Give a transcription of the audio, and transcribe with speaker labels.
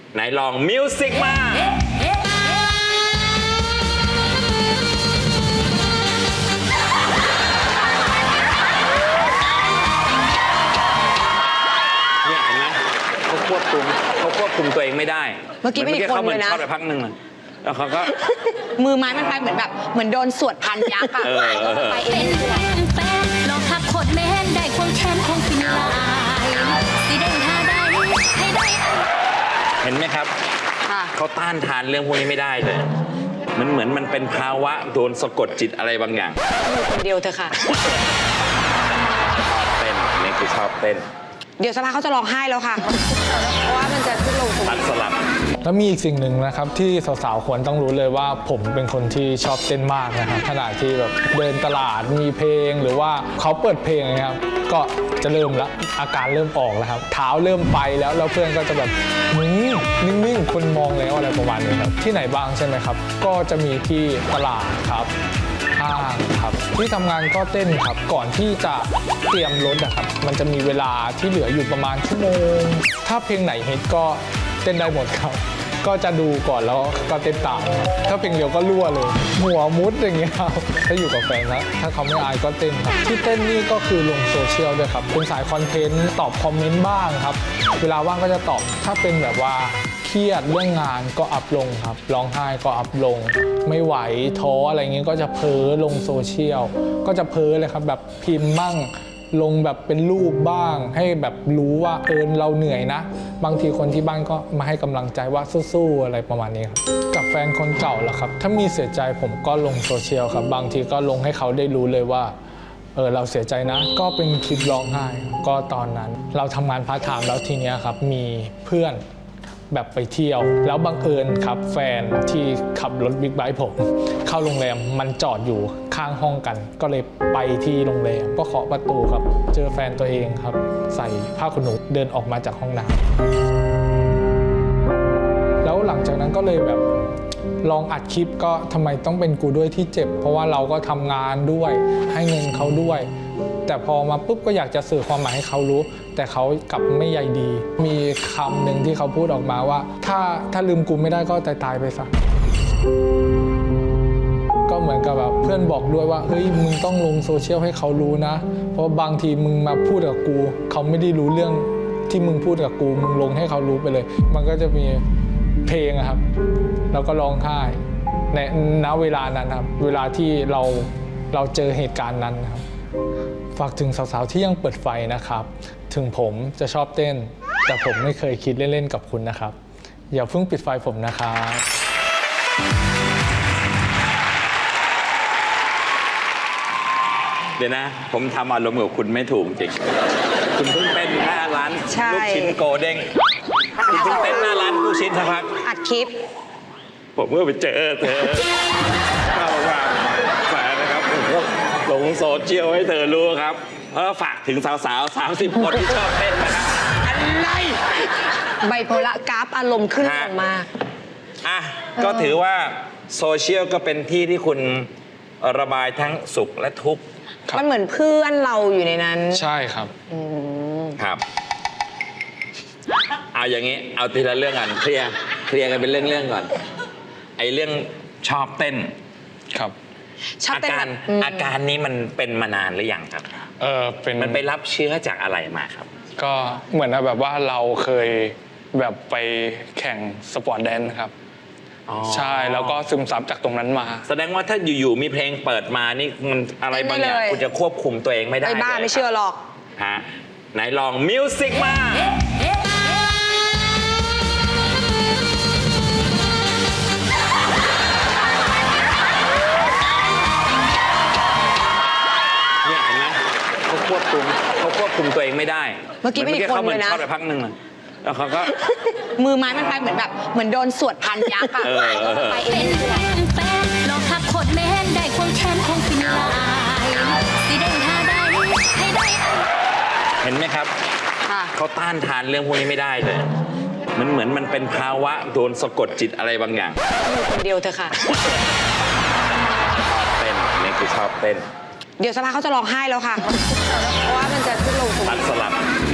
Speaker 1: ไหนลองมิวสิกมาเนี่ยเห็นไหมเขาควบคุมตัวเองไม่ได้
Speaker 2: เมื่อกี้ไม่มีคนเลยนะ
Speaker 1: เข้าไปพักหนึ่งแล้วเขาก็
Speaker 2: มือไม้มันไปเหมือนโดนสวดพันยักษ์อะไปเอง
Speaker 3: ลองขับโคตรแม่นได้ควงแขนคงฟินลายสีแดงท่าได้ให้ได้
Speaker 1: เห็นไหมครับเขาต้านทานเรื่องพวกนี้ไม่ได้เลยมันเหมือนมันเป็นภาวะโดนสะกดจิตอะไรบางอย่าง
Speaker 2: อยู่คนเดียวเถอะค่ะ
Speaker 1: ชอบเต้นนี่คือชอบเต้น
Speaker 2: เดี๋ยวสักพักเขาจะร้องไห้แล้วค่ะเพราะว่ามันจะขึ้นลง
Speaker 1: ตัดสลับ
Speaker 4: แล้วมีอีกสิ่งหนึ่งนะครับที่สาวๆควรต้องรู้เลยว่าผมเป็นคนที่ชอบเต้นมากนะครับขณะที่แบบเดินตลาดมีเพลงหรือว่าเขาเปิดเพลงนะครับก็จะเริ่มละอาการเริ่มออกแล้วครับเท้าเริ่มไปแล้วเพื่อนก็จะแบบนิ่งๆคนมองแล้วอะไรประมาณนี้ครับที่ไหนบ้างใช่ไหมครับก็จะมีที่ตลาดครับห้างครับที่ทำงานก็เต้นครับก่อนที่จะเตรียมรถนะครับมันจะมีเวลาที่เหลืออยู่ประมาณชั่วโมงถ้าเพลงไหนฮิตก็เต้นได้หมดครับก็จะดูก่อนแล้วก็เต้นตามถ้าเพลงเดียวก็รั่วเลยหัวมุดอย่างเงี้ยครับถ้าอยู่กับแฟนนะถ้าเขาไม่อายก็เต้นครับที่เต้นนี่ก็คือลงโซเชียลด้วยครับเป็นสายคอนเทนต์ตอบคอมเมนต์บ้างครับเวลาว่างก็จะตอบถ้าเป็นแบบว่าเครียดเรื่องงานก็อัพลงครับร้องไห้ก็อัพลงไม่ไหวท้ออะไรเงี้ยก็จะเพ้อลงโซเชียลก็จะเพ้อเลยครับแบบพิมพ์มั่งลงแบบเป็นรูปบ้างให้แบบรู้ว่าเราเหนื่อยนะบางทีคนที่บ้านก็มาให้กำลังใจว่าสู้ๆอะไรประมาณนี้ครับกับแฟนคนเก่าล่ะครับถ้ามีเสียใจผมก็ลงโซเชียลครับบางทีก็ลงให้เขาได้รู้เลยว่าเราเสียใจนะก็เป็นคลิปร้องไห้ก็ตอนนั้นเราทำงานพาร์ทไทม์แล้วทีเนี้ยครับมีเพื่อนแบบไปเที่ยวแล้วบังเอิญครับแฟนที่ขับรถบิ๊กไบค์ผมเข้าโรงแรมมันจอดอยู่ข้างห้องกันก็เลยไปที่โรงแรมก็เคาะประตูครับเจอแฟนตัวเองครับใส่ผ้าขนหนูเดินออกมาจากห้องน้ำแล้วหลังจากนั้นก็เลยแบบลองอัดคลิปก็ทำไมต้องเป็นกูด้วยที่เจ็บเพราะว่าเราก็ทำงานด้วยให้เงินเขาด้วยแต่พอมาปุ๊บก็อยากจะสื่อความหมายให้เขารู้แต่เขากลับไม่ใยดีมีคำหนึ่งที่เขาพูดออกมาว่าถ้าลืมกูไม่ได้ก็ตายไปซะก็เหมือนกับแบบเพื่อนบอกด้วยว่าเฮ้ยมึงต้องลงโซเชียลให้เขารู้นะเพราะบางทีมึงมาพูดกับกูเขาไม่ได้รู้เรื่องที่มึงพูดกับกูมึงลงให้เขารู้ไปเลยมันก็จะมีเพลงครับแล้วก็ร้องไห้ในณเวลานั้นครับเวลาที่เราเจอเหตุการณ์นั้นครับฝากถึงสาวๆที่ยังเปิดไฟนะครับถึงผมจะชอบเต้นแต่ผมไม่เคยคิดเล่นๆกับคุณนะครับอย่าเพิ่งปิดไฟผมนะครับ
Speaker 1: เดี๋ยวนะผมทำอารมณ์กับคุณไม่ถูกจริงคุณเพิ่งเต้นหน้าร้านลูกชิ้นโกเด้งคุณเพิ่งเต้นหน้าร้านลูกชิ้นสักพัก
Speaker 2: อัดคลิป
Speaker 1: ผมเมื่อไปเจอเธอเข้ามาแฝงนะครับผมก็ลงโซเชียลให้เธอรู้ครับฝากถึงสาวๆ30 คนที่ชอบเต้นนะครับ
Speaker 2: อะไรไบโพล่ากราฟอารมณ์ขึ้นลงมาก
Speaker 1: ก็ถือว่าโซเชียลก็เป็นที่ที่คุณระบายทั้งสุขและทุกข์
Speaker 2: มันเหมือนเพื่อนเราอยู่ในนั้น
Speaker 4: ใช่ครับ
Speaker 1: ครับเอาอย่างนี้เอาทีละเรื่องกันเคลียร์กันเป็นเรื่องก่อนไอ้เรื่องชอบเต้น
Speaker 4: ครับ
Speaker 1: อาการนี้มันเป็นมานานหรือยังครับมันไปรับเชื้อจากอะไรมาครับ
Speaker 4: ก็เหมือนแบบว่าเราเคยแบบไปแข่งสปอร์ตแดนซ์ครับใช่แล้วก็ซึมซับจากตรงนั้นมา
Speaker 1: แสดงว่าถ้าอยู่ๆมีเพลงเปิดมานี่มันอะไรบางอย่างคุณจะควบคุมตัวเองไม่ได้
Speaker 2: เลยบ้าไม่เชื่อหรอก
Speaker 1: ไหนลองมิวสิกมาเนี่ยเห็นไหมเขาควบคุมตัวเองไม่ได้
Speaker 2: เมื่อกี้ไม่มีคนเลยนะ
Speaker 1: เข้าไปพักหนึ่งแล้วเขาก็
Speaker 2: มือไม้มันไปเหมือนโดนสวดพันยักษ์อะไปเอง
Speaker 3: ลองขับโคตรแม่นได้ควงแขนคงฟินลายสีแดงท่าได้ให้ได้
Speaker 1: เห็นไหมครับเขาต้านทานเรื่องพวกนี้ไม่ได้เลยมันเหมือนมันเป็นภาวะโดนสะกดจิตอะไรบางอย่าง
Speaker 2: อยู่คนเดียวเถอะค่ะ
Speaker 1: ชอบเต้นนี่คือชอบเต้น
Speaker 2: เดี๋ยวสักพักเขาจะร้องไห้แล้วค่ะเพราะว่ามันจะขึ้นลง
Speaker 1: ตัดสลับ